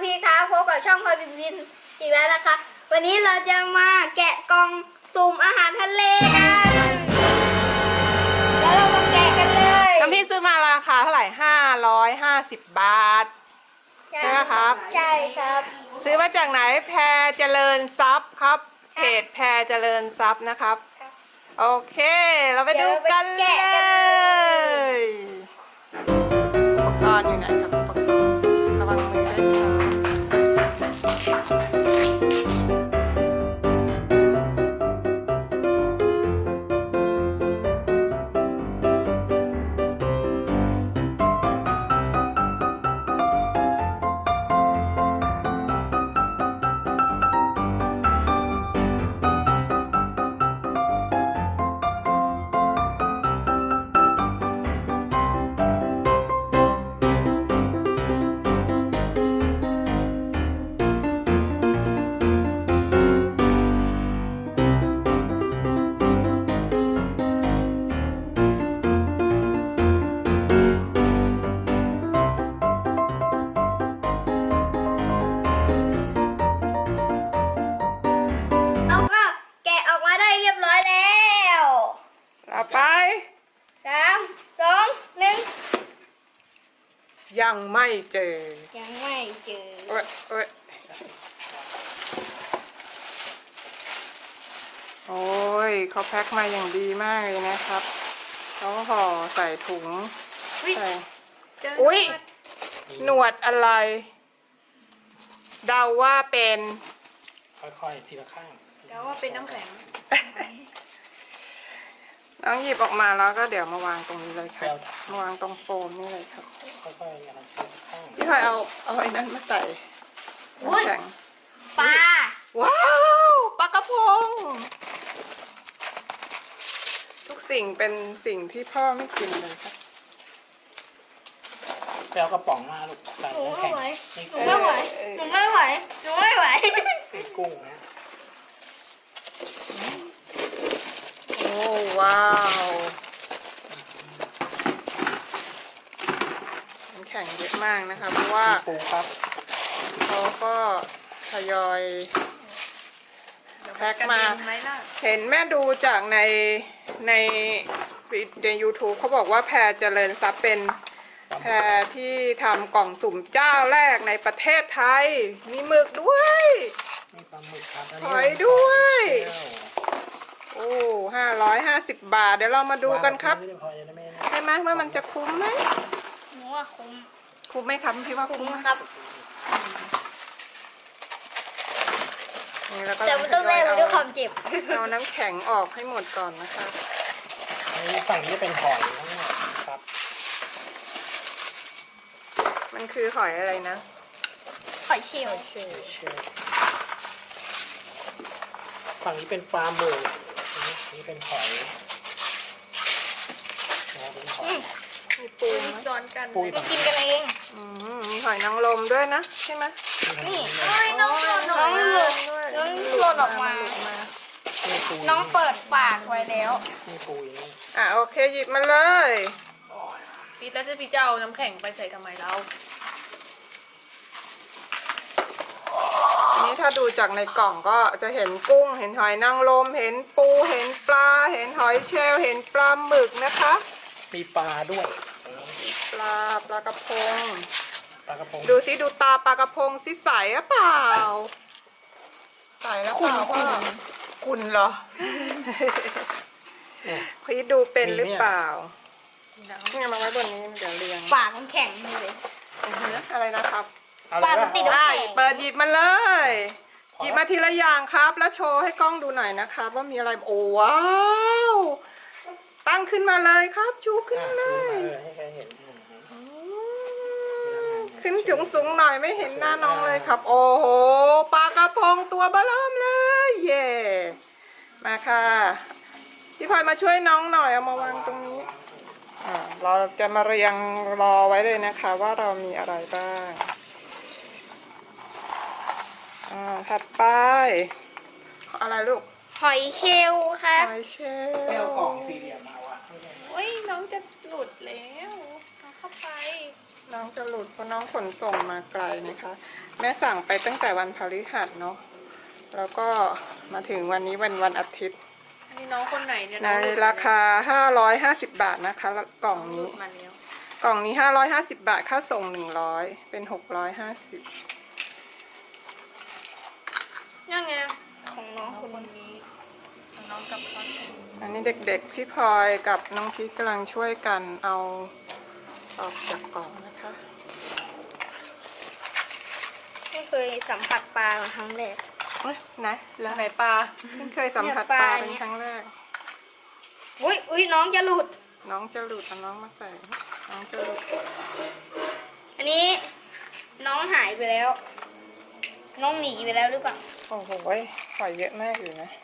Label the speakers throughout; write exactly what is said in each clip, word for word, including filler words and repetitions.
Speaker 1: พี่ครับพบกับช่องพลอยบินบินอีกแล้วนะคะวันนี้เราจะมาแกะกล่องสุ่มอาหารทะเลกันแล้วเรามาแกะกันเลย
Speaker 2: น้ำพี่ซื้อมาราคาเท่าไหร่ห้าร้อยห้าสิบบาทใช่ไหมครับ
Speaker 1: ใช่ครับ
Speaker 2: ซื้อมาจากไหนแพรเจริญทรัพย์ครับเพจแพรเจริญทรัพย์นะครับโอเคเราไปดูกันเลยอุปกรณ์อยู่ไหนครับอุปกรณ์ระวังมือด้วยต่อไป
Speaker 1: สามสองหนึ่ง
Speaker 2: ยังไม่เจอ
Speaker 1: ยังไม่เจอ
Speaker 2: โอ้ยโอ้ยโอ้ยเขาแพ็คมาอย่างดีมากเลยนะครับเขาห่อใส่ถุงใส่อุ้ยหนวดอะไรเดาว่าเป็น
Speaker 3: ค่อยๆทีละข้าง
Speaker 4: เดาว่าเป็นน้ำแข็ง
Speaker 2: น้องหยิบออกมาแล้วก็เดี๋ยวมาวางตรงนี้เลยค่ะมาวางตรงโฟมนี่เลยครับ
Speaker 3: ค่อยๆอย่างนั้นทีละข้าง
Speaker 2: พี่พลอยเอาเอาไอ้นั้นมาใส่น้ำแข็ง
Speaker 1: ปลา
Speaker 2: ว้าวปลากระพงทุกสิ่งเป็นสิ่งที่พ่อไม่กินเลยครับ
Speaker 3: ไปเอากระป๋องมาลูกใส่น้ำแข็ง
Speaker 1: หนูไม่ไหวหนูไม่ไหวหนูไม่ไหว
Speaker 3: เป็นกุ้งนะ
Speaker 2: โอ้ว้าวน้ำแข็งเยอะมากนะคะเพราะว่า
Speaker 3: ปูครับ
Speaker 2: เขาก็ทยอยแพ็คมาเห็นแม่ดูจากในในใน ยูทูบ เขาบอกว่าแพรเจริญทรัพย์เป็นแพรที่ทำกล่องสุ่มเจ้าแรกในประเทศไทยมีหมึกด้วย
Speaker 3: มีปลาหมึกครับ
Speaker 2: หอยด้วยโอ้ห้าร้อยห้าสิบบาทเดี๋ยวเรามาดูกันครับใช่ไหมว่ามันจะคุ้มไหม
Speaker 1: หนูว่าคุ้ม
Speaker 2: คุ้มไหมครับพี่ว่าคุ้ม
Speaker 1: ครับแต่ไม่ต้องเล่นด้วยความเจ็บ
Speaker 2: เอาน้ำแข็งออกให้หมดก่อนนะคะ
Speaker 3: ฝั่งนี้เป็นหอยทั้งหมดครับ
Speaker 2: มันคือหอยอะไรนะ
Speaker 1: หอยเชลล์
Speaker 3: ฝั่งนี้เป็นปลาหมึกนี่เป็นหอยเป็นหอย
Speaker 2: มีปู
Speaker 4: ซ้อนกัน
Speaker 1: ไปกินกันเอง
Speaker 2: มีหอยนางรมด้วยนะใช่ไหม
Speaker 1: นี่น้องหล่นน้องหล่นน้องหล่นออกมาน้องเปิดปากไว้แล้ว
Speaker 3: มีปูอย่างนี้
Speaker 2: อ่ะโอเคหยิบมาเลย
Speaker 4: พี่แล้วจะพี่เจ้าน้ำแข็งไปใส่ทำไมเรา
Speaker 2: นี้ถ้าดูจากในกล่องก็จะเห็นกุ้งเห็นหอยนางรมเห็นปูเห็นปลาเห็นหอยเชลล์เห็นปลาหมึกนะคะ
Speaker 3: มีปลาด้วย
Speaker 2: ปลาปลากระพง
Speaker 3: ปลากระพง
Speaker 2: ดูสิดูตาปลากระพงสิใสหรือเปล่าใสแล้วเปล่าว่าคุณเหรอพี่ดูเป็นหรือเปล่าเนี่ยมาไว้บนนี้เดี๋ยวเรียง
Speaker 1: ปากมันแข็งเลย
Speaker 2: อะไรนะครับ
Speaker 1: ปากมันติดได้
Speaker 2: เปิดหยิบมาเลยหยิบมาทีละอย่างครับแล้วโชว์ให้กล้องดูหน่อยนะครับว่ามีอะไรโอ้ว้าวตั้งขึ้นมาเลยครับชูขึ้นเลยขึ้นสูงสูงหน่อยไม่เห็นหน้าน้องเลยครับโอ้โหปลากระพงตัวเบ้อเริ่มเลยเย่มาค่ะพี่พลอยมาช่วยน้องหน่อยเอามาวางตรงนี้อ่าเราจะมาเรียงรอไว้เลยนะคะว่าเรามีอะไรบ้างอ่าถัดไปอะไรลูก
Speaker 1: หอยเชลล์ค่ะ
Speaker 2: หอยเชลล์
Speaker 3: เอากล่องสี่เหลี่ยมมาว่ะ
Speaker 4: โอ้ยน้องจะหลุดแล้วเอาเข้าไป
Speaker 2: น้องจะหลุดเพราะน้องขนส่งมาไกลนะคะ แม่สั่งไปตั้งแต่วันพฤหัสเนาะแล้วก็มาถึงวันนี้วันวันอาทิตย์
Speaker 4: อันนี้น้องคนไหนเนี่ย
Speaker 2: ใน
Speaker 4: น้องหลุด
Speaker 2: ราคาห้าร้อยห้าสิบบาทนะคะกล่อง
Speaker 4: หลุ
Speaker 2: นี้
Speaker 4: ดมาแล้ว
Speaker 2: กล่องนี้ห้าร้อยห้าสิบบาทค่าส่งหนึ่งร้อยเป็นหกร้อยห้าสิบ
Speaker 1: ยังไงของน้อง
Speaker 4: น้อง
Speaker 1: คน
Speaker 4: คนนี้ของน้องกับพ่อ
Speaker 2: อันนี้เด็กๆพี่พลอยกับน้องพีทกำลังช่วยกันเอาออกจากกล่องนะคะ
Speaker 1: ไม่เคยสัมผัสปลาครั้งแรก
Speaker 2: เอ้ยไหนแล้ว
Speaker 4: ไหนปลา
Speaker 2: เพิ่งเคยสัมผัส
Speaker 1: เนี่ย
Speaker 2: ป
Speaker 1: ป
Speaker 2: ลา
Speaker 1: ลา
Speaker 2: เป็น
Speaker 1: เนี่ย
Speaker 2: ครั้งแรก
Speaker 1: อุ้ยอุ้ยน้องจะหลุด
Speaker 2: น้องจะหลุดเอาน้องมาใส่น้องจะหลุด
Speaker 1: อันนี้น้องหายไปแล้ว น้องหนีไปแล้วหรือเปล่า
Speaker 2: โอ้โหหอยเยอะมากอยู่นะ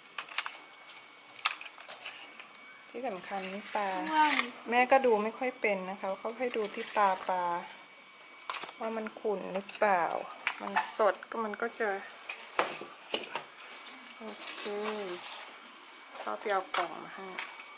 Speaker 2: ที่สำคัญนี่ปลา แม่ก็ดูไม่ค่อยเป็นนะคะเขาให้ดูที่ตาปลาว่ามันขุ่นหรือเปล่า มันสดก็มันก็จะโอเคเขาไปเอากล่องมาให้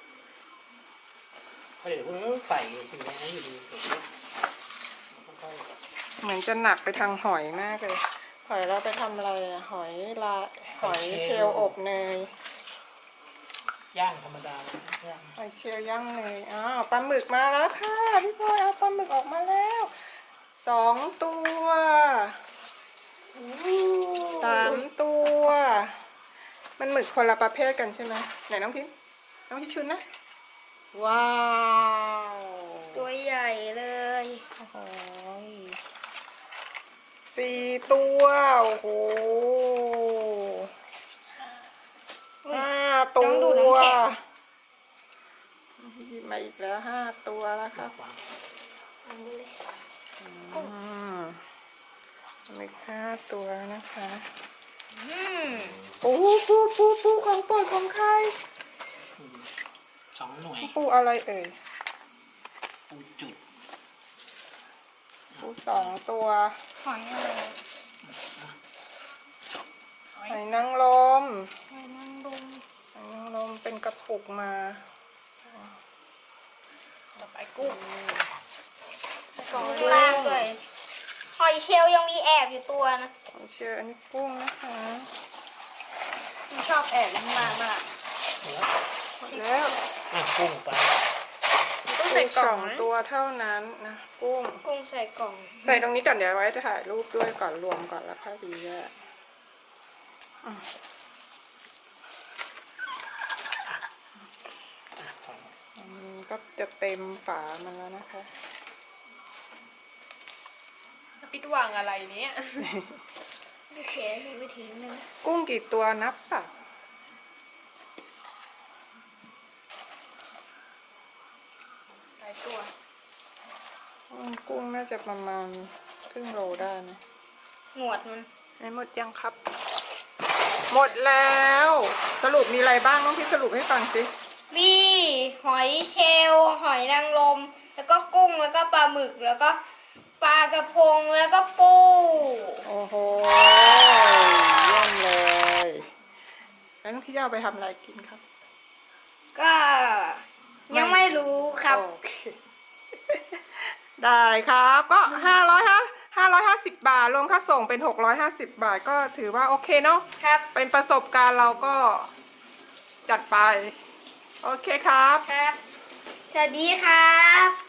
Speaker 3: เพราะเดี๋ยวพวกนี้ก็ใส่ถึงนี้อยู่ดีค่อย
Speaker 2: เหมือนจะหนักไปทางหอยมากเลยหอยเราไปทำอะไรอะหอยลาหอยเชลล์อบเนย
Speaker 3: ๆย่างธรรมดาย่าง
Speaker 2: หอยเชลล์ย่างเนยอ้าวปลาหมึกมาแล้วค่ะพี่พลอยเอาปลาหมึกออกมาแล้วสองตัวสามตัว มันหมึกคนละประเภทกันใช่ไหมไหนน้องพิมน้องพิชุนนะว้าว
Speaker 1: ตัวใหญ่เลย
Speaker 2: โอ้โหสี่ตัวโอ้โห
Speaker 1: อุ๊ย
Speaker 2: ห้าตั
Speaker 1: ต้องดูด
Speaker 2: ว
Speaker 1: น้ำแข็ง
Speaker 2: หยิบมาอีกแล้วห้าตัวแล้วครับ
Speaker 3: วาง
Speaker 1: อันนี้เลย
Speaker 2: อืมมีห้าตัวนะคะ
Speaker 1: อืม
Speaker 2: ปูปูปูปูของโปรดของใคร
Speaker 3: อืมสองหน่วย
Speaker 2: ปูอะไรเอ่ย
Speaker 3: ปูจุด
Speaker 2: ปูสองตัว
Speaker 1: หอยอะไร
Speaker 2: หอยนางรม
Speaker 1: หอยนางรม
Speaker 2: หอยนางรมเป็นกระปุกมา
Speaker 4: ต่อไปกุ้ง
Speaker 1: กล่องข้างล่างด้วยหอยเชลล์ยังมีแอบอยู่ตัวนะ
Speaker 2: ผมเชื่ออันนี้กุ้งนะคะ
Speaker 1: มันชอบแอบอยู่ข้างล่างมาก
Speaker 3: หมดแล้ว
Speaker 2: แล้ว
Speaker 3: อ่ะกุ้งไป
Speaker 4: ต้อง
Speaker 2: กุ้
Speaker 4: ใส่
Speaker 2: ง
Speaker 4: กล่
Speaker 2: ส
Speaker 4: อ
Speaker 2: อง ง
Speaker 4: นะ
Speaker 2: ตัวเท่านั้นนะกุ้ง
Speaker 1: กุ้งใส่กล่อง
Speaker 2: ใส่ตรงนี้ก่อนเดี๋ยวไว้ถ่ายรูปด้วยก่อนรวมก่อนแล้วค่อยดีแยกอ่ะ อันนี้ก็จะเต็มฝามันแล้วนะคะ
Speaker 4: ปิดวางอะไรเนี้ย
Speaker 1: วิธีวิธีนึง
Speaker 2: กุ้งกี่ตัวนับป่ะ
Speaker 4: หลายตัว
Speaker 2: อืมกุ้งน่าจะประมาณครึ่งโลได้นะ
Speaker 1: หนวดมัน
Speaker 2: ไหนหมดยังครับ หมดแล้ว สรุปมีอะไรบ้างน้องพี่สรุปให้ฟังสิ
Speaker 1: มีหอยเชลล์หอยนางรมแล้วก็กุ้งแล้วก็ปลาหมึกแล้วก็ปลากระพงแล้วก็ปู
Speaker 2: โอ้โหเยี่ยมเลย แล้วน้องพี่จะเอาไปทำอะไรกินครับ
Speaker 1: ก็ยังไม่รู้ครับ
Speaker 2: โอเค ได้ครับ ก็ห้าร้อยฮะห้าร้อยห้าสิบบาทรวมค่าส่งเป็นหกร้อยห้าสิบบาทก็ถือว่าโอเคเนาะ
Speaker 1: ครับ
Speaker 2: เป็นประสบการณ์เราก็จัดไป โอเคครับ
Speaker 1: ครับ สวัสดีครับ